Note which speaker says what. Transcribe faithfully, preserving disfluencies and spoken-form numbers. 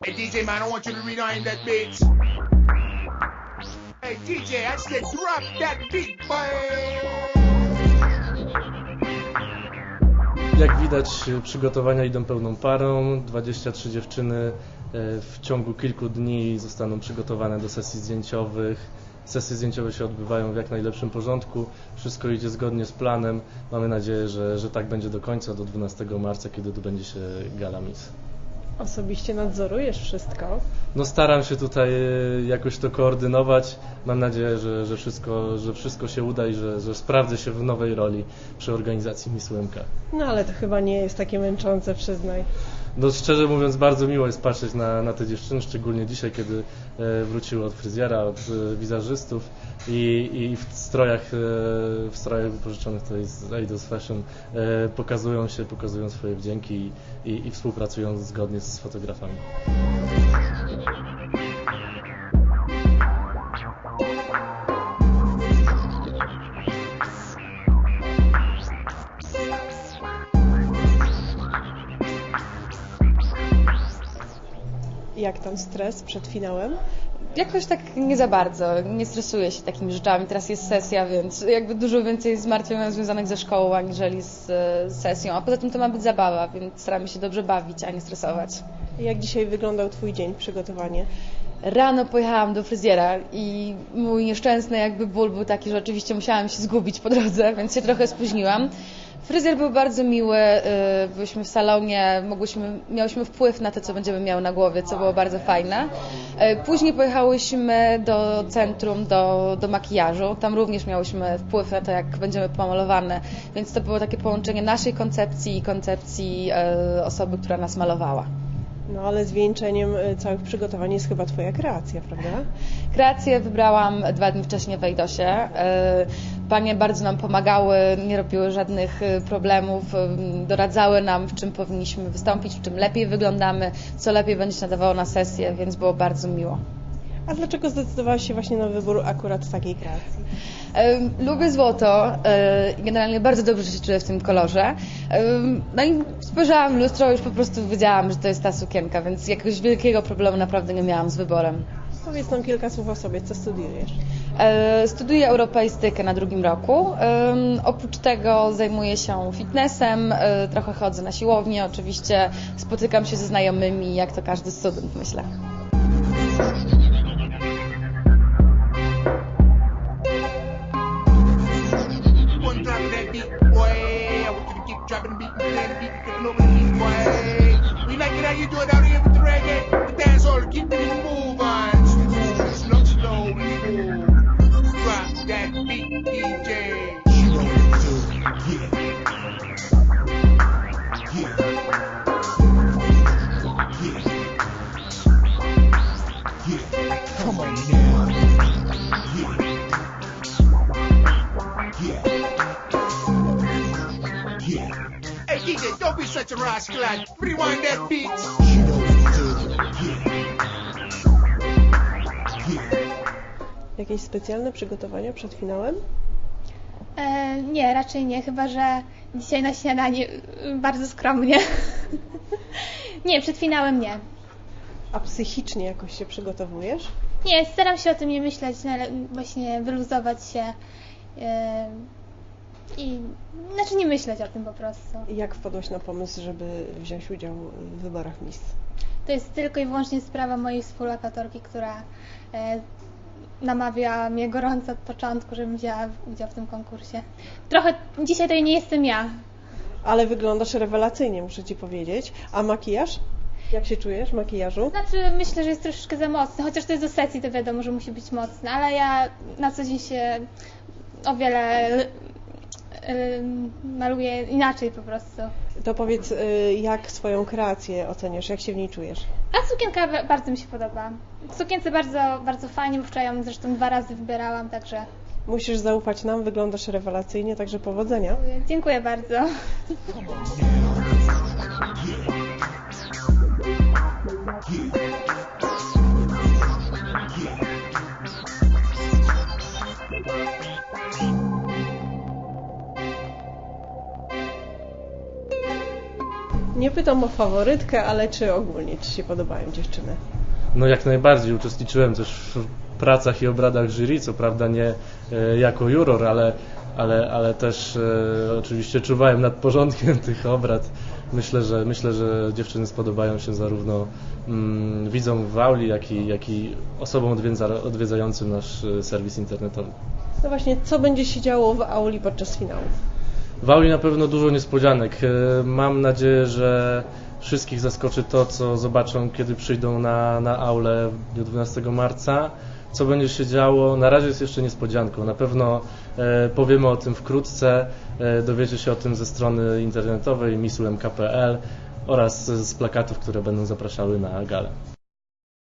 Speaker 1: Hey D J man, I want you to rewind that beat. Hey D J, I said drop that beat, boy.
Speaker 2: Jak widać, przygotowania idą pełną parą. dwadzieścia trzy dziewczyny w ciągu kilku dni zostaną przygotowane do sesji zdjęciowych. Sesje zdjęciowe się odbywają w jak najlepszym porządku. Wszystko idzie zgodnie z planem. Mamy nadzieję, że, że tak będzie do końca, do dwunastego marca, kiedy odbędzie się Gala Miss.
Speaker 3: Osobiście nadzorujesz wszystko?
Speaker 2: No staram się tutaj jakoś to koordynować. Mam nadzieję, że, że, wszystko, że wszystko się uda i że, że sprawdzę się w nowej roli przy organizacji Miss U M K.
Speaker 3: No ale to chyba nie jest takie męczące, przyznaj.
Speaker 2: No szczerze mówiąc, bardzo miło jest patrzeć na, na te dziewczyny, szczególnie dzisiaj, kiedy e, wróciły od fryzjera, od e, wizerzystów i, i w strojach e, w strojach wypożyczonych tutaj z Eidos Fashion e, pokazują się, pokazują swoje wdzięki i, i, i współpracują zgodnie z fotografami.
Speaker 3: Jak tam stres przed finałem?
Speaker 4: Jakoś tak nie za bardzo, nie stresuję się takimi rzeczami. Teraz jest sesja, więc jakby dużo więcej zmartwień mam związanych ze szkołą, aniżeli z, z sesją. A poza tym to ma być zabawa, więc staramy się dobrze bawić, a nie stresować.
Speaker 3: Jak dzisiaj wyglądał Twój dzień, przygotowanie?
Speaker 4: Rano pojechałam do fryzjera i mój nieszczęsny jakby ból był taki, że oczywiście musiałam się zgubić po drodze, więc się trochę spóźniłam. Fryzjer był bardzo miły, byliśmy w salonie, mogłyśmy, miałyśmy wpływ na to, co będziemy miały na głowie, co było bardzo fajne. Później pojechałyśmy do centrum, do, do makijażu, tam również miałyśmy wpływ na to, jak będziemy pomalowane, więc to było takie połączenie naszej koncepcji i koncepcji osoby, która nas malowała.
Speaker 3: No ale zwieńczeniem całych przygotowań jest chyba Twoja kreacja, prawda?
Speaker 4: Kreację wybrałam dwa dni wcześniej w Eidosie. Panie bardzo nam pomagały, nie robiły żadnych problemów, doradzały nam, w czym powinniśmy wystąpić, w czym lepiej wyglądamy, co lepiej będzie się nadawało na sesję, więc było bardzo miło.
Speaker 3: A dlaczego zdecydowałaś się właśnie na wybór akurat takiej kreacji?
Speaker 4: Lubię złoto i generalnie bardzo dobrze się czuję w tym kolorze. No i spojrzałam w lustro i już po prostu wiedziałam, że to jest ta sukienka, więc jakiegoś wielkiego problemu naprawdę nie miałam z wyborem.
Speaker 3: Powiedz nam kilka słów o sobie, co studiujesz?
Speaker 4: Studiuję europeistykę na drugim roku. Oprócz tego zajmuję się fitnessem, trochę chodzę na siłownię, oczywiście spotykam się ze znajomymi, jak to każdy student, myślę.
Speaker 1: Dropping the beat, playing the beat, taking over the beat, boy. We like it how you do it out here with the reggae, the dance hall, keep the beat moving. Slow, slow, slow, move. Drop that beat, D J. Come on now. Hey D J, don't be such a rascal, lad. Rewind that beat.
Speaker 3: Jakieś specjalne przygotowania przed finałem?
Speaker 5: E, nie, raczej nie, chyba że dzisiaj na śniadanie bardzo skromnie. Nie, przed finałem nie.
Speaker 3: A psychicznie jakoś się przygotowujesz?
Speaker 5: Nie, staram się o tym nie myśleć, właśnie wyluzować się e, i znaczy nie myśleć o tym po prostu.
Speaker 3: Jak wpadłaś na pomysł, żeby wziąć udział w wyborach Miss?
Speaker 5: To jest tylko i wyłącznie sprawa mojej współlokatorki, która e, namawiała mnie gorąco od początku, żebym wzięła udział w tym konkursie. Trochę dzisiaj to nie jestem ja.
Speaker 3: Ale wyglądasz rewelacyjnie, muszę Ci powiedzieć. A makijaż? Jak się czujesz w makijażu?
Speaker 5: Znaczy myślę, że jest troszeczkę za mocny, chociaż to jest do sesji, to wiadomo, że musi być mocny, ale ja na co dzień się o wiele maluję inaczej po prostu.
Speaker 3: To powiedz, jak swoją kreację oceniasz, jak się w niej czujesz?
Speaker 5: A sukienka bardzo mi się podoba. W sukience bardzo, bardzo fajnie, bo wczoraj ją zresztą dwa razy wybierałam, także...
Speaker 3: Musisz zaufać nam, wyglądasz rewelacyjnie, także powodzenia.
Speaker 5: Dziękuję bardzo.
Speaker 3: Nie pytam o faworytkę, ale czy ogólnie Ci się podobają dziewczyny?
Speaker 2: No jak najbardziej, uczestniczyłem też w pracach i obradach jury, co prawda nie e, jako juror, ale, ale, ale też e, oczywiście czuwałem nad porządkiem tych obrad. Myślę, że myślę, że dziewczyny spodobają się zarówno mm, widzom w auli, jak i, jak i osobom odwiedza, odwiedzającym nasz e, serwis internetowy.
Speaker 3: No właśnie, co będzie się działo w auli podczas finału?
Speaker 2: W auli na pewno dużo niespodzianek. E, Mam nadzieję, że wszystkich zaskoczy to, co zobaczą, kiedy przyjdą na, na aulę w dniu dwunastego marca. Co będzie się działo, na razie jest jeszcze niespodzianką. Na pewno e, powiemy o tym wkrótce. E, dowiecie się o tym ze strony internetowej miss u m k kropka p l oraz z plakatów, które będą zapraszały na galę.